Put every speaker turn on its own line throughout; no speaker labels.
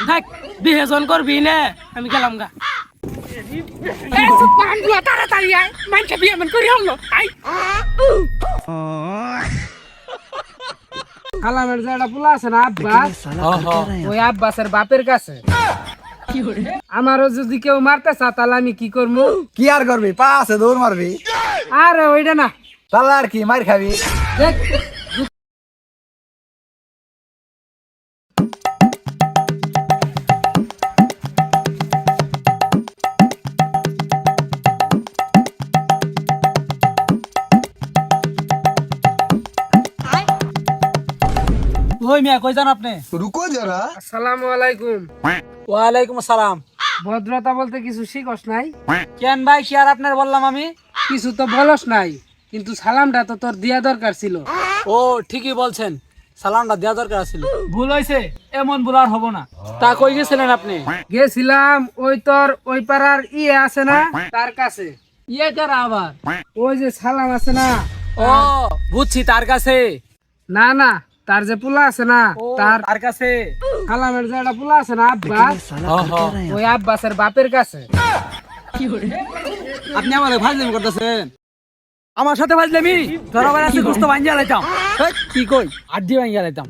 থাক বিয়ে জন করবি না আমি গেলাম গা তাড়াতাড়ি আয় মাইনকে বিয়ে মন করি হলো আই
খালামের যে একটা পোলা আছে না আব্বাস, ওই আব্বাসের বাপের কাছে। আমারও যদি কেউ মারতে চা তাহলে আমি কি করবো?
কি আর করবি? পা আছে দৌড় মারবি।
আরে ওইটা না,
তাহলে আর কি মার খাবি?
দেখ
ওই মিয়া কই যান আপনি?
রুকো যারা।
আসসালামু আলাইকুম।
ওয়ালাইকুম আসসালাম।
ভদ্রতা বলতে কিছু শিখস নাই?
কেন ভাই কি আর আপনার বললাম আমি?
কিছু তো বলস নাই, কিন্তু সালামটা তো তোর দিয়া দরকার ছিল।
ও ঠিকই বলছেন, সালামটা দেওয়া দরকার ছিল। ভুল হয়েছে, এমন ভুল আর হবো না। তা কই গেছিলেন আপনি?
গেছিলাম ওই তোর ওই পাড়ার ইয়ে আছে না তার কাছে।
ইয়ে কারা আবার?
ওই যে সালাম আছে না,
ও বুঝছি, তার কাছে।
না না, তার যে পোলা আছে না, তার
তার কাছে।
খালামের যে একটা পোলা আছে না আব্বাস, ওই আব্বাসের বাপের কাছে।
আপনি আমার ফাজলামি করতেছেন? আমার সাথে ফাজলামি? ধরা বাইরে আছে গোস্ত ভাঙ্গিয়া লাইতাম। কি কই? আড্ডি ভাঙ্গিয়া লাইতাম।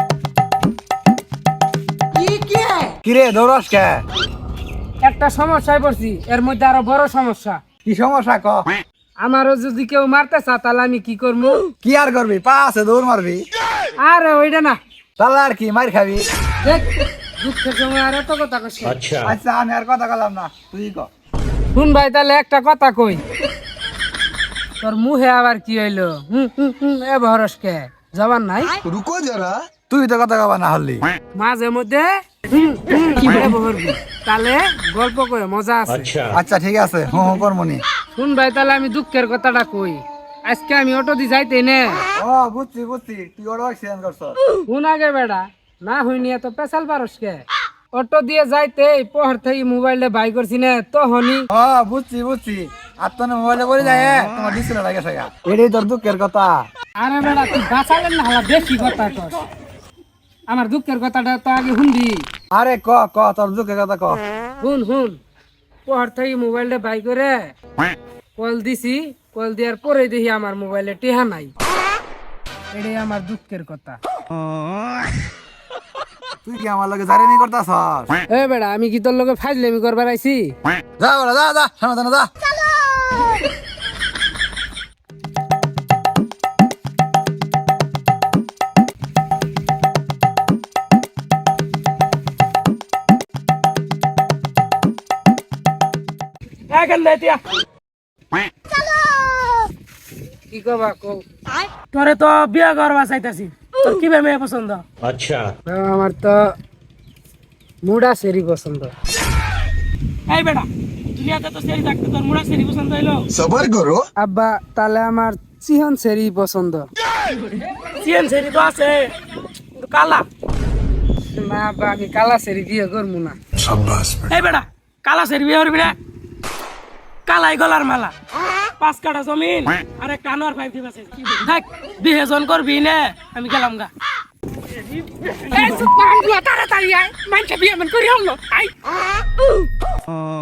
কিরে দৌড়স কে?
একটা সমস্যায় পড়ছি, এর মধ্যে আরো বড় সমস্যা।
কি সমস্যা ক?
আমারও যদি কেউ মারতে চা তাহলে আমি কি করবো?
কি আর করবি? পা আছে দৌড় মারবি।
আরে ওইটা না,
তাহলে আর কি মার খাবি?
দেখ দুঃখের সময় আর এত কথা কইস।
আচ্ছা আমি আর কথা বললাম না, তুই ক।
শুন ভাই, তাহলে একটা কথা কই। তোর মুহে আবার কি হইলো? এ ভরস কে জবান নাই?
রুকো যারা। তুই তো কথা কবা না হলি।
মাঝে মধ্যে বহরবি, তাহলে গল্প করে মজা আছে।
আচ্ছা ঠিক আছে, কর্মনি।
শুন ভাই, তাহলে আমি দুঃখের কথাটা কই। আজকে আমি অটো দি যাইতে নে।
ও বুঝছি তুই ওর অ্যাক্সিডেন্ট করছ।
শুন আগে বেড়া, না হইনি এত পেশাল পারস কে? অটো দিয়ে যাইতে পহর থেকে মোবাইলে বাই করছি না তো হনি।
ও বুঝছি আর তো মোবাইলে বলে যায় তোমার ডিসপ্লে লাগে সেগা। এটাই তোর দুঃখের কথা।
আরে বেড়া, তুই বাঁচালেন না, হালা বেশি কথা কর। আমার দুঃখের কথাটা তো আগে শুনবি।
আরে ক তোর দুঃখের কথা ক।
শুন পহর থেকে মোবাইলটা বাই করে কল দিছি, কল দেওয়ার পরে দেখি আমার মোবাইলে টেহা নাই। এটাই আমার দুঃখের কথা।
তুই কি আমার লগে জারিমি করতাছস?
এ বেড়া, আমি কি তোর লগে ফাইজলামি করবার আইছি?
যা বড় যা সামনে যা।
কি কবা কও?
তোরে তো বিয়া করবা চাইতাছি, তোর কি মেয়ে পছন্দ?
আমার তো মুডা সেরি পছন্দ।
এই বেটা, দুনিয়াতে তো সেরি থাকতে তোর মুড়া সেরি পছন্দ হইলো?
সবার করো।
আব্বা, তাহলে আমার চিহন সেরি পছন্দ।
চিয়েন সেরি তো আছে, কিন্তু কালা।
না আব্বা, আমি কালা সেরি বিয়ে করবো না।
এই বেটা, কালা সেরি বিয়ে করবি না? কালাই গলার মালা, 5 কাঠা জমিন আর একটা আনোয়ার 5 দিবা চাই। থাক বিয়ে জন করবি না আমি গেলাম গা তাড়াতাড়ি আয় মাইনকে বিয়ে মন করি হলো আই